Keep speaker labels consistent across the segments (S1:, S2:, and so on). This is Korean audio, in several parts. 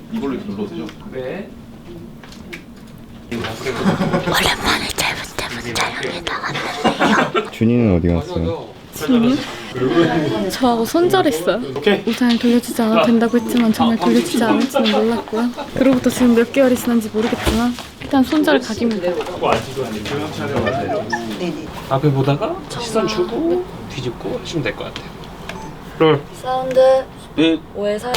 S1: 이걸로 눌러주죠.
S2: 네.
S3: 오랜만에 짧은 촬영에 나왔는데요.
S4: 준이는 어디 갔어요?
S3: 준이? 저하고 손절했어요. 우산을 돌려주지 않아도 된다고 했지만 정말 돌려주지 않을지는 몰랐고요. 그로부터 지금 몇 개월이 지난지 모르겠지만 일단 손절 각입니다.
S2: 앞에 보다가 시선 주고 뒤집고 하시면 될 것 같아요. 롤.
S3: 사운드
S2: 네.
S3: 5에 4.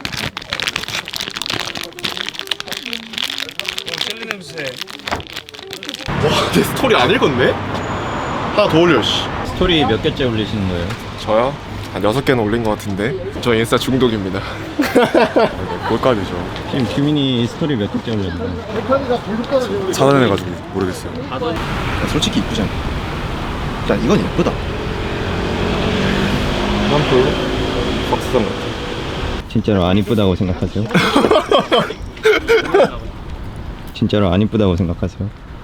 S2: 젤리 냄새.
S1: 와, 내 스토리 안 읽었네? 하나 더 올려, 씨.
S4: 스토리 몇 개째 올리시는 거예요?
S1: 저요? 한 6개는 올린 것 같은데 저 인스타 중독입니다. 뭘까지죠?
S4: 지금 규민이 스토리 몇 개째 올렸나요?
S1: 차단해가지고 모르겠어요.
S5: 야, 솔직히 이쁘지 않아? 야, 이건 예쁘다.
S1: 난 별로 박수상 같아.
S4: 진짜로 안 이쁘다고 생각하세요? 진짜로 안 이쁘다고 생각하세요?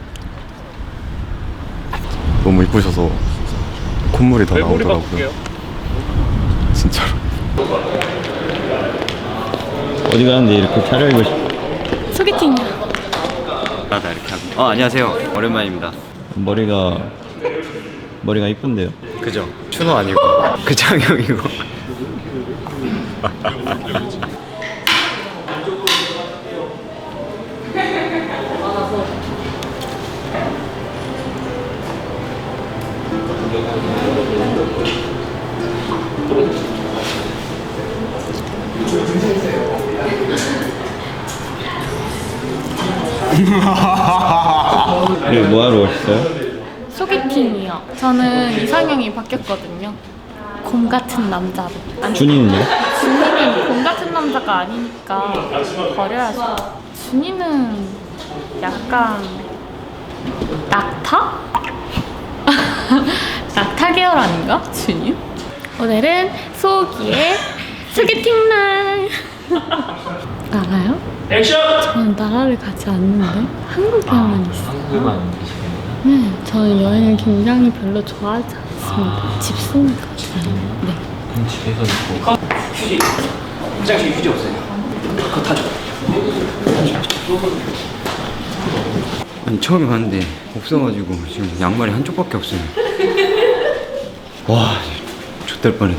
S1: 너무 이쁘셔서 콧물이 더
S2: 벨보리
S1: 나오더라고요.
S2: 바꿀게요.
S1: 진짜로.
S4: 어디 가는데 이렇게 차려입고 싶어?
S3: 소개팅이요.
S4: 나다 이렇게 하고. 안녕하세요. 오랜만입니다. 머리가 이쁜데요?
S1: 그죠? 추노 아니고
S4: 그 장형이고. 뭐 하러 오셨어요?
S3: 소개팅이요. 저는 이상형이 바뀌었거든요. 곰 같은 남자로.
S4: 준이는요?
S3: 준이는 곰 같은 남자가 아니니까 버려야죠. 준이는 약간 낙타? 낙타 계열 아닌가? 준이? 오늘은 소기의 소개팅 날. 나가요?
S2: 액션!
S3: 저는 나라를 가지 않는데 한국에만 있어요.
S2: 한국에만 계시겠네요.
S3: 네, 저는 여행을 굉장히 별로 좋아하지 않습니다. 집순이가 네.
S2: 그럼 집에서 있고. 휴지. 화장실 휴지 없어요. 그거 타죠.
S6: 아니 처음에 갔는데 없어가지고 지금 양말이 한쪽밖에 없어요. 와, X될 뻔했네.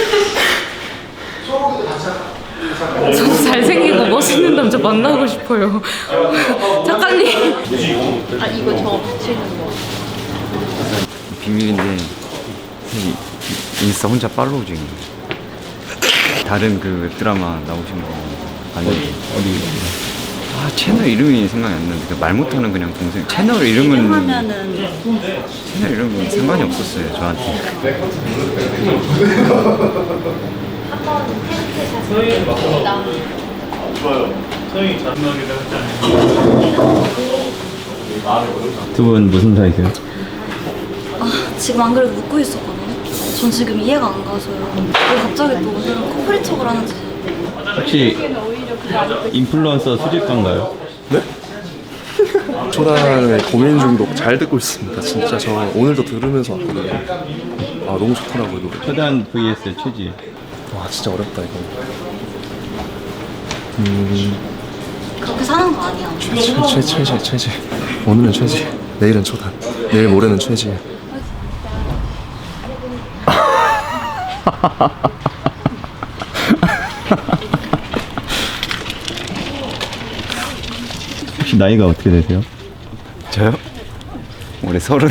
S3: 저도 잘생기고 멋있는 남자 만나고 싶어요. 작가님. 아 이거 저 붙이는 거.
S6: 비밀인데 사실 인스타 혼자 팔로우 중이에요. 다른 그 드라마 나오신 거 아니 어디 채널 이름이 생각이 안 나는데 말 못하는 그냥 동생 채널 이름은 채널 이름은 상관이 없었어요 저한테.
S4: 두 분 무슨 사이세요?
S7: 지금 안 그래도 묻고 있었거든요. 전 지금 이해가 안 가서요. 왜 갑자기 또 오늘은 커플인 척을 하는지.
S4: 혹시 인플루언서 수집가인가요?
S5: 초단의 고민 중독 잘 듣고 있습니다. 진짜 저 오늘도 들으면서 왔거든요. 아, 너무 좋더라고요, 노래.
S4: 초단 vs 최지.
S5: 와, 진짜 어렵다, 이거.
S7: 그렇게 사는 거 아니야.
S5: 최지. 오늘은 최지. 내일은 초단. 내일 모레는 최지.
S4: 혹시 나이가 어떻게 되세요?
S6: 저요? 올해 30.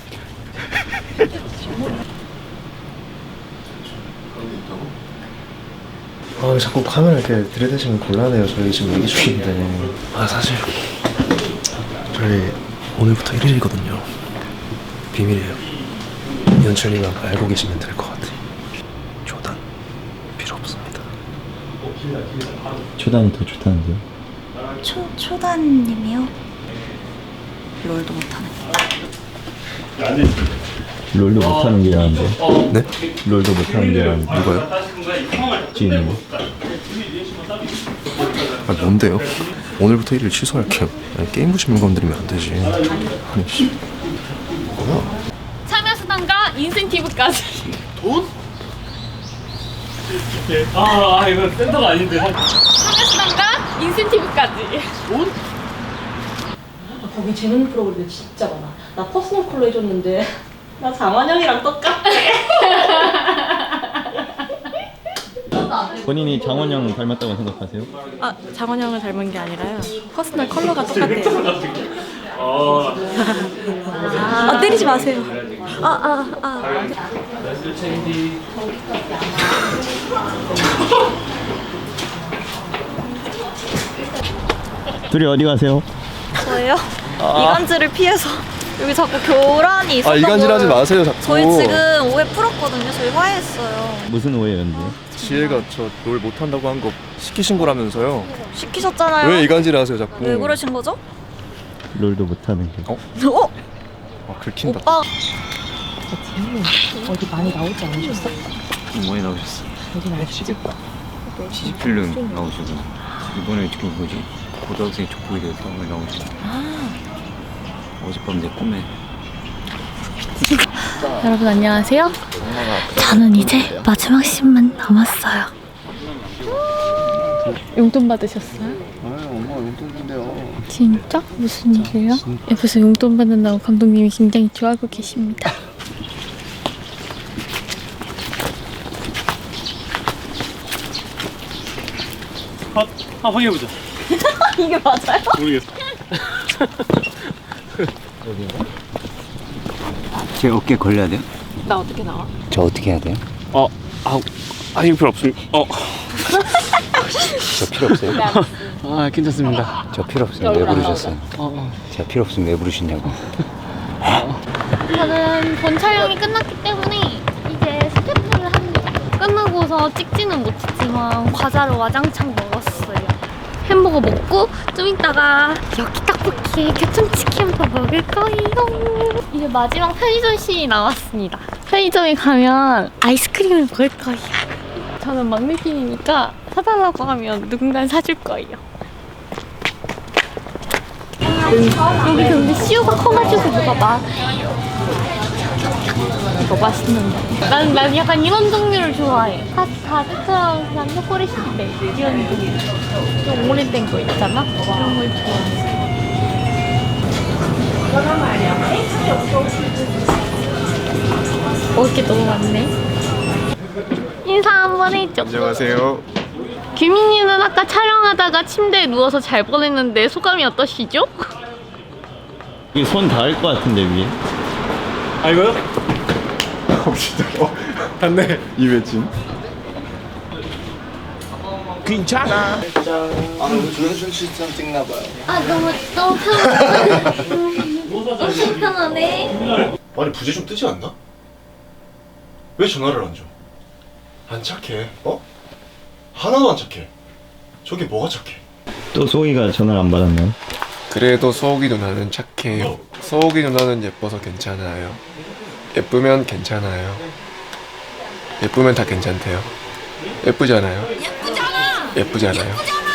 S5: 아, 자꾸 카메라 이렇게 들이대시면 곤란해요. 저희 지금 얘기 중인데. 아, 사실 저희 오늘부터 1일이거든요. 비밀이에요. 연출님만 알고 계시면 될 것 같아요. 초단 필요 없습니다.
S4: 초단이 더 좋다는데요?
S7: 초단님이요? 롤도 못하는.
S4: 롤도 못하는 게 나은데.
S5: 네?
S4: 롤도 못하는 게 나은데.
S5: 누가요?
S4: 지인이.
S5: 아, 뭔데요? 오늘부터 1일 취소할게요. 아니, 게임 부심을 건드리면 안 되지. 아니, 씨. 뭐야?
S3: 참여 수당과 인센티브까지.
S2: 돈? 아 이거 센터가 아닌데.
S3: 참여 수당과 인센티브까지.
S8: 거기 재밌는 프로그램이 진짜 많아. 나 퍼스널 컬러 해줬는데 나 장원영이랑 똑같아.
S4: 본인이 장원영 닮았다고 생각하세요?
S8: 아, 장원영을 닮은 게 아니라요. 퍼스널 컬러가 똑같아요. 아, 때리지 마세요.
S4: 둘이 어디 가세요?
S7: 저예요? 이간질을 피해서 여기 자꾸 교란이 있었던
S5: 이간질하지
S7: 걸
S5: 마세요 자꾸.
S7: 저희 지금 오해 풀었거든요. 저희 화해했어요.
S4: 무슨 오해였는데?
S5: 지혜가 저 롤 못한다고 한 거 시키신 거라면서요.
S7: 시키셨잖아요.
S5: 왜 이간질 하세요 자꾸?
S7: 왜 그러신 거죠?
S4: 롤도 못하는 거.
S7: 어?
S5: 아 긁힌다.
S7: 오빠
S8: 어디 많이 나오지 않으셨어?
S6: 많이 나오셨어.
S8: 어디 나오시지?
S6: 시집필름 나오시고 이번에 그 뭐지 고등학생 족보에 대해서 많이 나오시고. 어젯밤 내 꿈에
S3: 여러분 안녕하세요. 저는 이제 마지막 씬만 남았어요. 용돈 받으셨어요?
S5: 엄마가 용돈 준대요.
S3: 진짜? 무슨 일이에요? 옆에서 용돈 받는다고 감독님이 굉장히 좋아하고 계십니다.
S2: 확인해보자.
S7: 이게 맞아요?
S2: 모르겠어.
S6: 제 어깨 걸려야 돼요?
S8: 나 어떻게 나와?
S6: 저 어떻게 해야 돼요?
S2: 하실 필요 없습니다.
S6: 저 필요 없어요?
S2: 괜찮습니다.
S6: 저 필요 없어요. 왜 부르셨어요? 제가 필요 없으면 왜 부르시냐고.
S3: 저는 본 촬영이 끝났기 때문에 이제 스태프를 합니다. 끝나고서 찍지는 못했지만 과자를 와장창 먹었어요. 햄버거 먹고 좀 이따가 여기 떡볶이에 교촌치킨도 먹을 거예요. 이제 마지막 편의점 씬이 나왔습니다. 편의점에 가면 아이스크림을 먹을 거예요. 저는 막내핀이니까 사달라고 하면 누군가 사줄 거예요. 여기 근데 씨유가 커가지고 뭐가 많아요. 이거 맛있는데. 난 약간 이런 종류를 좋아해. 가득한 그냥 초콜릿인데 이런 종류. 좀 오래된 거 있잖아? 그런 걸 좋아해. 먹을 게 너무 많네. 인사 한번 해줘.
S1: 안녕하세요.
S3: 규민이는 아까 촬영하다가 침대에 누워서 잘 보냈는데 소감이 어떠시죠?
S4: 이게 손 닿을 것 같은데 위에.
S2: 아 이거요?
S1: 진짜. 맞네. 이매진.
S2: 괜찮아.
S3: 아 너무 편하네. 너무 편하네.
S1: 아니 부재 좀 뜨지 않나? 왜 전화를 안 줘? 안 착해. 어? 하나도 안 착해. 저게 뭐가 착해?
S4: 또 소희가 전화를 안 받았나요?
S5: 그래도 소옥이 누나는 착해요. 소옥이 누나는 예뻐서 괜찮아요. 예쁘면 괜찮아요. 예쁘면 다 괜찮대요. 예쁘잖아요.
S7: 예쁘잖아.
S5: 예쁘잖아요.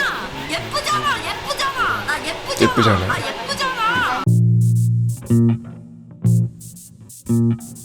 S7: 나
S5: 예쁘잖아요.
S7: 예쁘잖아.